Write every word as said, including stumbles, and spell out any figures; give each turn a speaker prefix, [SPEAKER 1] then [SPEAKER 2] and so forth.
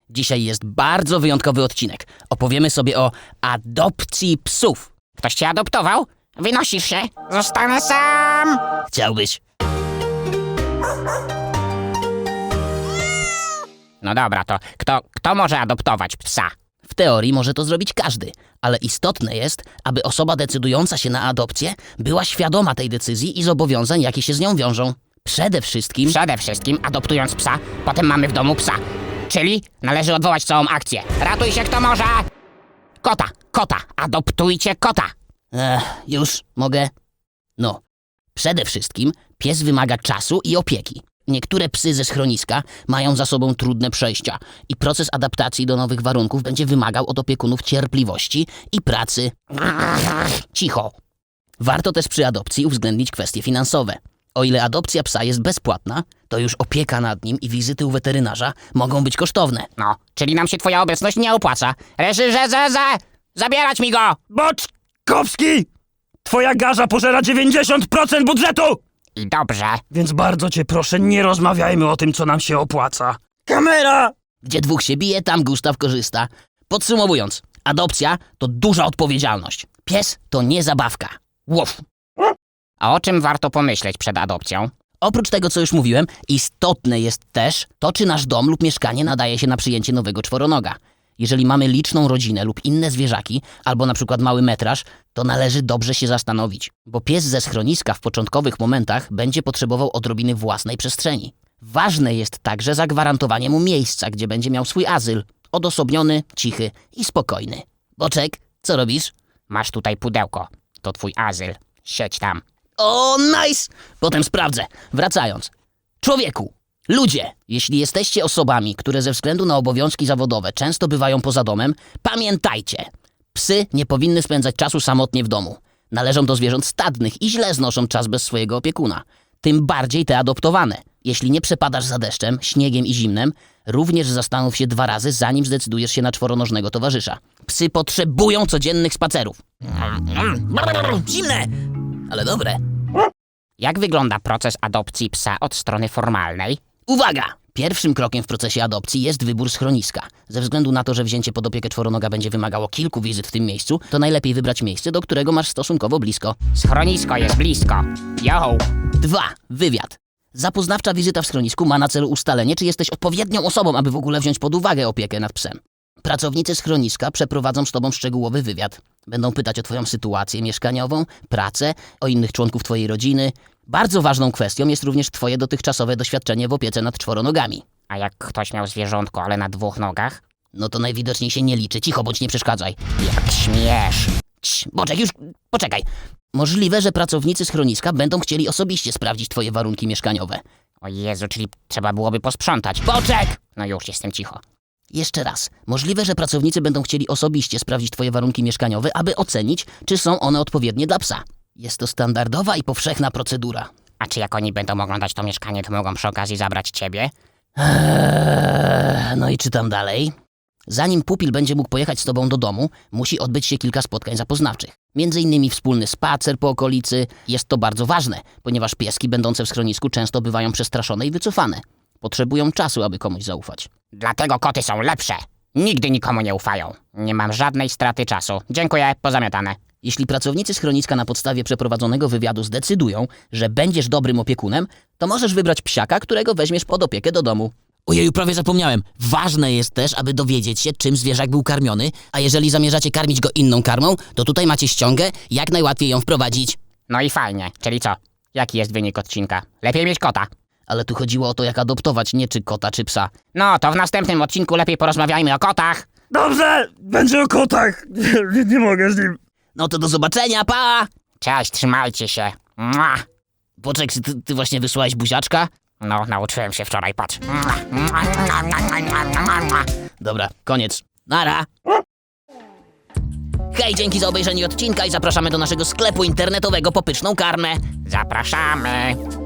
[SPEAKER 1] Dzisiaj jest bardzo wyjątkowy odcinek. Opowiemy sobie o adopcji psów.
[SPEAKER 2] Ktoś cię adoptował? Wynosisz się? Zostanę sam!
[SPEAKER 1] Chciałbyś?
[SPEAKER 2] No dobra, to kto, kto może adoptować psa?
[SPEAKER 1] W teorii może to zrobić każdy, ale istotne jest, aby osoba decydująca się na adopcję była świadoma tej decyzji i zobowiązań, jakie się z nią wiążą. Przede wszystkim...
[SPEAKER 2] Przede wszystkim adoptując psa, potem mamy w domu psa. Czyli należy odwołać całą akcję. Ratuj się kto może! Kota, kota, adoptujcie kota!
[SPEAKER 1] Ech, już mogę? No. Przede wszystkim pies wymaga czasu i opieki. Niektóre psy ze schroniska mają za sobą trudne przejścia i proces adaptacji do nowych warunków będzie wymagał od opiekunów cierpliwości i pracy. Cicho. Warto też przy adopcji uwzględnić kwestie finansowe. O ile adopcja psa jest bezpłatna, to już opieka nad nim i wizyty u weterynarza mogą być kosztowne.
[SPEAKER 2] No, czyli nam się twoja obecność nie opłaca. Reżyrze, ze, ze! Zabierać mi go!
[SPEAKER 3] Boczkowski! Twoja garza pożera dziewięćdziesiąt procent budżetu!
[SPEAKER 2] I dobrze.
[SPEAKER 3] Więc bardzo cię proszę, nie rozmawiajmy o tym, co nam się opłaca. Kamera!
[SPEAKER 1] Gdzie dwóch się bije, tam Gustaw korzysta. Podsumowując, adopcja to duża odpowiedzialność. Pies to nie zabawka. Łof.
[SPEAKER 2] A o czym warto pomyśleć przed adopcją?
[SPEAKER 1] Oprócz tego, co już mówiłem, istotne jest też to, czy nasz dom lub mieszkanie nadaje się na przyjęcie nowego czworonoga. Jeżeli mamy liczną rodzinę lub inne zwierzaki, albo na przykład mały metraż, to należy dobrze się zastanowić, bo pies ze schroniska w początkowych momentach będzie potrzebował odrobiny własnej przestrzeni. Ważne jest także zagwarantowanie mu miejsca, gdzie będzie miał swój azyl, odosobniony, cichy i spokojny. Boczek, co robisz?
[SPEAKER 2] Masz tutaj pudełko. To twój azyl. Siedź tam.
[SPEAKER 1] O, nice! Potem sprawdzę. Wracając. Człowieku, ludzie, jeśli jesteście osobami, które ze względu na obowiązki zawodowe często bywają poza domem, pamiętajcie, psy nie powinny spędzać czasu samotnie w domu. Należą do zwierząt stadnych i źle znoszą czas bez swojego opiekuna. Tym bardziej te adoptowane. Jeśli nie przepadasz za deszczem, śniegiem i zimnem, również zastanów się dwa razy, zanim zdecydujesz się na czworonożnego towarzysza. Psy potrzebują codziennych spacerów. Zimne, ale dobre.
[SPEAKER 2] Jak wygląda proces adopcji psa od strony formalnej?
[SPEAKER 1] Uwaga! Pierwszym krokiem w procesie adopcji jest wybór schroniska. Ze względu na to, że wzięcie pod opiekę czworonoga będzie wymagało kilku wizyt w tym miejscu, to najlepiej wybrać miejsce, do którego masz stosunkowo blisko.
[SPEAKER 2] Schronisko jest blisko. Yo!
[SPEAKER 1] Dwa. Wywiad. Zapoznawcza wizyta w schronisku ma na celu ustalenie, czy jesteś odpowiednią osobą, aby w ogóle wziąć pod uwagę opiekę nad psem. Pracownicy schroniska przeprowadzą z tobą szczegółowy wywiad. Będą pytać o twoją sytuację mieszkaniową, pracę, o innych członków twojej rodziny. Bardzo ważną kwestią jest również twoje dotychczasowe doświadczenie w opiece nad czworonogami.
[SPEAKER 2] A jak ktoś miał zwierzątko, ale na dwóch nogach?
[SPEAKER 1] No to najwidoczniej się nie liczy. Cicho, bądź nie przeszkadzaj.
[SPEAKER 2] Jak śmiesz!
[SPEAKER 1] Cii, Boczek, już poczekaj. Możliwe, że pracownicy schroniska będą chcieli osobiście sprawdzić twoje warunki mieszkaniowe.
[SPEAKER 2] O Jezu, czyli trzeba byłoby posprzątać.
[SPEAKER 1] Boczek!
[SPEAKER 2] No już, jestem cicho.
[SPEAKER 1] Jeszcze raz. Możliwe, że pracownicy będą chcieli osobiście sprawdzić twoje warunki mieszkaniowe, aby ocenić, czy są one odpowiednie dla psa. Jest to standardowa i powszechna procedura.
[SPEAKER 2] A czy jak oni będą oglądać to mieszkanie, to mogą przy okazji zabrać ciebie?
[SPEAKER 1] Eee, no i czytam dalej. Zanim pupil będzie mógł pojechać z tobą do domu, musi odbyć się kilka spotkań zapoznawczych. Między innymi wspólny spacer po okolicy. Jest to bardzo ważne, ponieważ pieski będące w schronisku często bywają przestraszone i wycofane. Potrzebują czasu, aby komuś zaufać.
[SPEAKER 2] Dlatego koty są lepsze. Nigdy nikomu nie ufają. Nie mam żadnej straty czasu. Dziękuję, pozamiatane.
[SPEAKER 1] Jeśli pracownicy schroniska na podstawie przeprowadzonego wywiadu zdecydują, że będziesz dobrym opiekunem, to możesz wybrać psiaka, którego weźmiesz pod opiekę do domu. Ojeju, prawie zapomniałem. Ważne jest też, aby dowiedzieć się, czym zwierzak był karmiony, a jeżeli zamierzacie karmić go inną karmą, to tutaj macie ściągę, jak najłatwiej ją wprowadzić.
[SPEAKER 2] No i fajnie. Czyli co? Jaki jest wynik odcinka? Lepiej mieć kota.
[SPEAKER 1] Ale tu chodziło o to, jak adoptować, nie czy kota, czy psa.
[SPEAKER 2] No, to w następnym odcinku lepiej porozmawiajmy o kotach.
[SPEAKER 3] Dobrze, będzie o kotach. Nie, nie mogę z nim.
[SPEAKER 1] No to do zobaczenia, pa!
[SPEAKER 2] Cześć, trzymajcie się. Mua.
[SPEAKER 1] Boczek, ty, ty właśnie wysłałeś buziaczka?
[SPEAKER 2] No, nauczyłem się wczoraj, patrz.
[SPEAKER 1] Dobra, koniec. Nara! Hej, dzięki za obejrzenie odcinka i zapraszamy do naszego sklepu internetowego po pyszną karmę.
[SPEAKER 2] Zapraszamy.